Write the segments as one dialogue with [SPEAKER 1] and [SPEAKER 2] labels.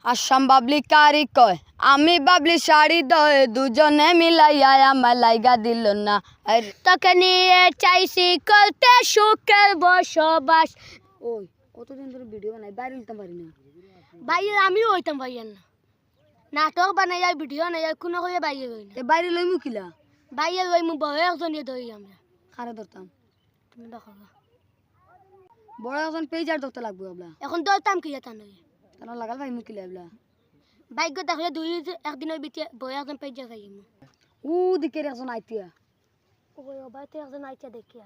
[SPEAKER 1] আসাম বাবলি কারি কয় আমি বাবলি শাড়ি দয় দুজনে মিলাইয়া আমার লাইগা দিল না তোকে নিয়ে চাইছি করতে সুখের বসবাস। ওই কতদিন ধরে ভিডিও বানাই বাইরে নিতাম পারি না
[SPEAKER 2] বাইরে আমিও হইতাম বাইরে না নাটক বানাই যায় ভিডিও নাই কোনো করে বাইরে হই না
[SPEAKER 1] বাইরে লই মুখিলা
[SPEAKER 2] বাইরে লই মু বড় একজনে ধরি আমরা
[SPEAKER 1] খারে ধরতাম
[SPEAKER 2] তুমি দেখাবা
[SPEAKER 1] বড় এখন পেজার ধরতে লাগবে abla
[SPEAKER 2] এখন ধরতাম কি এটা নই
[SPEAKER 1] তারা লাগাল ভাই মুখিলা abla
[SPEAKER 2] বাইক দেখলে দুই একদিনের ভিতরে বড় একজন পেজা যাই মু
[SPEAKER 1] ও দিকে একজন আইতিয়া
[SPEAKER 2] ওই বাইতে একজন আইতা দেখিয়া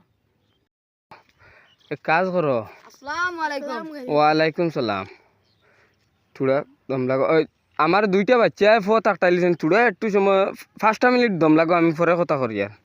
[SPEAKER 3] এক কাজ করো।
[SPEAKER 1] আসসালামু আলাইকুম।
[SPEAKER 3] ওয়ালাইকুম সালাম। থোড়া দম লাগো আমার দুইটা বাচ্চা ফোত আটটাইলিছেন থোড়া একটু সময় 5 মিনিট দম লাগো আমি পরে কথা করি আর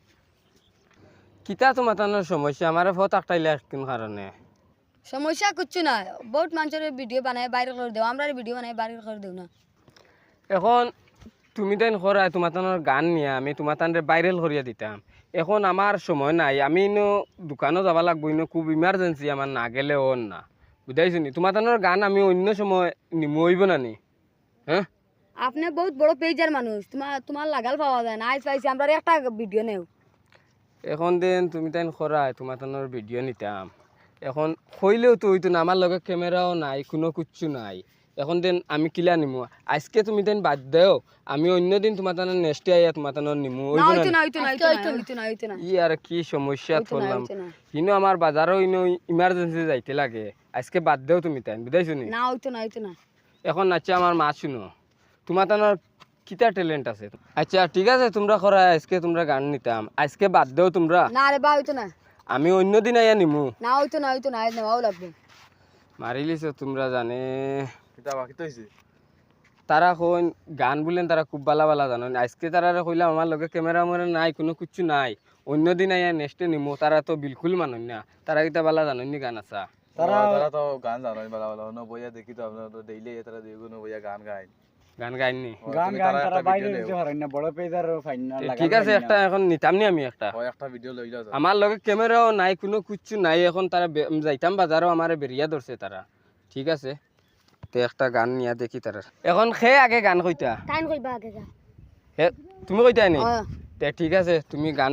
[SPEAKER 3] কিতা তো মাতানোর সমস্যা আমার ফোত আটটাইলে কোন কারণে
[SPEAKER 1] সমস্যা কিচ্ছু না বহুত মানুষের ভিডিও বানায় বাইরে করে দেও আমরা ভিডিও বানাই বাইরে করে দেও না
[SPEAKER 3] এখন তুমি তাই করা তোমার গান নিয়ে আমি তোমার তানরে ভাইরাল করিয়া দিতাম এখন আমার সময় নাই আমি ইনো দোকানও যাবা লাগবো ইনো খুব ইমার্জেন্সি আমার না গেলে ওর না বুঝাইছো নি তোমার তানোর গান আমি অন্য সময় নিমু হইব না নি হ্যাঁ
[SPEAKER 1] আপনি বহুত বড় পেজার মানুষ তোমার লাগাল পাওয়া যায় না আইস পাইছি আমরা একটা ভিডিও নেও
[SPEAKER 3] এখন দিন তুমি তাই করা তোমার তানোর ভিডিও নিতাম এখন কইলেও তো হইতো না আমার লগে ক্যামেরাও নাই কোনো কিচ্ছু নাই এখন দিন আমি কিলা নিমু আজকে তুমি দিন বাদ দেও আমি অন্য দিন তোমার তানোর নেক্সটে আইয়া তোমার তানোর নিমু
[SPEAKER 1] না
[SPEAKER 3] হইব
[SPEAKER 1] হইতো
[SPEAKER 3] না
[SPEAKER 1] না হইতো না হইতো না হইতো না
[SPEAKER 3] ই আর কি সমস্যা করলাম
[SPEAKER 1] হইতো না
[SPEAKER 3] ইনো আমার বাজারও ইনো ইমার্জেন্সি যাইতে লাগে আজকে বাদ দেও তুমি তাই বুঝাইছো নি
[SPEAKER 1] না হইতো না
[SPEAKER 3] এখন আচ্ছা আমার মা শুনো তোমার তানোর কিতা ট্যালেন্ট আছে আচ্ছা ঠিক আছে তোমরা করা আজকে তোমরা গান নিতাম আজকে বাদ দেও তোমরা
[SPEAKER 1] না রে বা হইতো না
[SPEAKER 3] আমি অন্য দিন আইয়া নিমু
[SPEAKER 1] না হইতো না আজ নেওয়াও লাগবে
[SPEAKER 3] মারি লিছো তোমরা জানে
[SPEAKER 4] কিতা বাকি তো হইছে
[SPEAKER 3] তারা কইন গান বলেন তারা খুব ভালো ভালো জানো আজকে তারা কইলাম আমার লগে ক্যামেরা মরে নাই কোনো কিছু নাই অন্য দিন আইয়া নেক্সটে নিমু তারা তো বিলকুল মানুষ না তারা কিতা ভালো জানো নি গান আসা
[SPEAKER 4] তারা তো গান জানো বালা বালা ন বইয়া দেখি তো আপনারা তো ডেইলি তারা দেখুন বইয়া গান গায়
[SPEAKER 3] গান গাইনি
[SPEAKER 5] গান গান তারা বাইরে দিতে পারেন না বড় পেজার ফাইন না লাগা
[SPEAKER 3] ঠিক আছে একটা এখন নিতাম নি আমি একটা
[SPEAKER 4] ওই একটা ভিডিও লইলা যাও
[SPEAKER 3] আমার লগে ক্যামেরাও নাই কোনো কিচ্ছু নাই এখন তারা যাইতাম বাজারও আমারে বেরিয়া ধরছে তারা ঠিক আছে তে একটা গান নিয়া দেখি তারা এখন খে আগে গান কইতা
[SPEAKER 2] টাইম কইবা আগে যা
[SPEAKER 3] হে তুমি কইতা নি
[SPEAKER 1] হ্যাঁ।
[SPEAKER 3] তে ঠিক আছে তুমি গান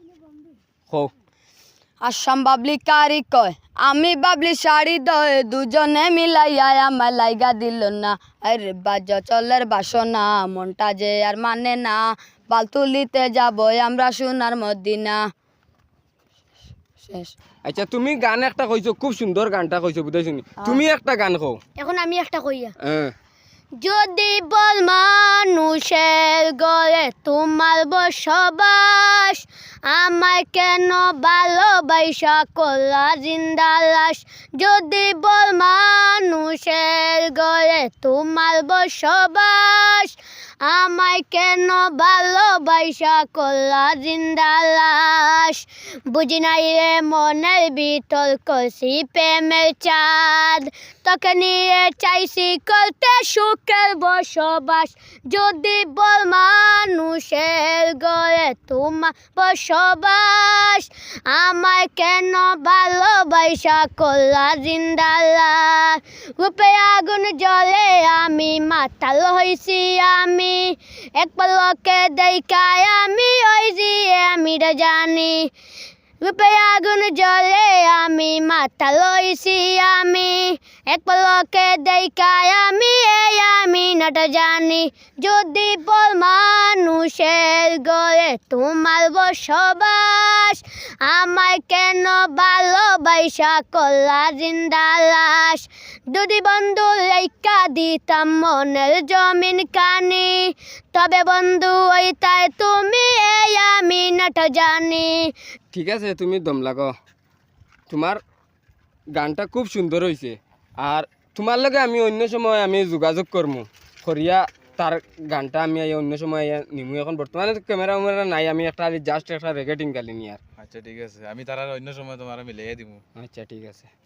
[SPEAKER 3] কও
[SPEAKER 1] আসাম বাবলি কারি কয় আমি বাবলি শাড়ি দয় দুজনে মিলাইয়া আমার লাইগা দিল না আরে বাজ চলের বাসনা মনটা যে আর মানে না বালতুলিতে যাব আমরা সোনার মদিনা শেষ
[SPEAKER 3] আচ্ছা তুমি গান একটা কইছো খুব সুন্দর গানটা কইছো বুঝাইছো নি তুমি একটা গান কও
[SPEAKER 2] এখন আমি একটা কইয়া
[SPEAKER 3] হ্যাঁ
[SPEAKER 2] যদি বল মানুষের গলে তোমার বসবাস আমায় কেন ভালোবাসা করলা জিন্দা লাশ যদি বল মানুষের গলে তোমার বসবাস আমায় কেন ভালোবাসা করলা জিন্দা লাশ বুঝি নাই রে মনের ভিতর করছি প্রেমের চাঁদ তোকে নিয়ে চাইছি করতে সুখের বসবাস যদি বল মানুষের গলে তোমার বসবাস আমায় কেন ভালোবাসা করলা জিন্দা লাশ রূপে আগুন জ্বলে আমি মাতাল হইছি আমি এক পলকে দেখায় আমি ওই যে আমি জানি রূপে আগুন জ্বলে আমি মাথা লইছি আমি এক পলকে দেখায় আমি এই আমি নাটা জানি যদি বল মানুষের গলে তোমার বসবাস আমায় কেন ভালোবাসা করলা জিন্দা লাশ যদি বন্ধু লেখা দিতাম মনের জমিন কানি তবে বন্ধু ওই তাই তুমি এই আমি নাটা জানি
[SPEAKER 3] ঠিক আছে তুমি দম লাগো তোমার গানটা খুব সুন্দর হয়েছে আর তোমার লগে আমি অন্য সময় আমি যোগাযোগ করবো করিয়া তার গানটা আমি অন্য সময় নিমু এখন বর্তমানে তো ক্যামেরা উমেরা নাই আমি একটা জাস্ট একটা রেকর্ডিং গালি নি আর
[SPEAKER 4] আচ্ছা ঠিক আছে আমি তারা অন্য সময় তোমার মিলিয়ে দিমু
[SPEAKER 3] আচ্ছা ঠিক আছে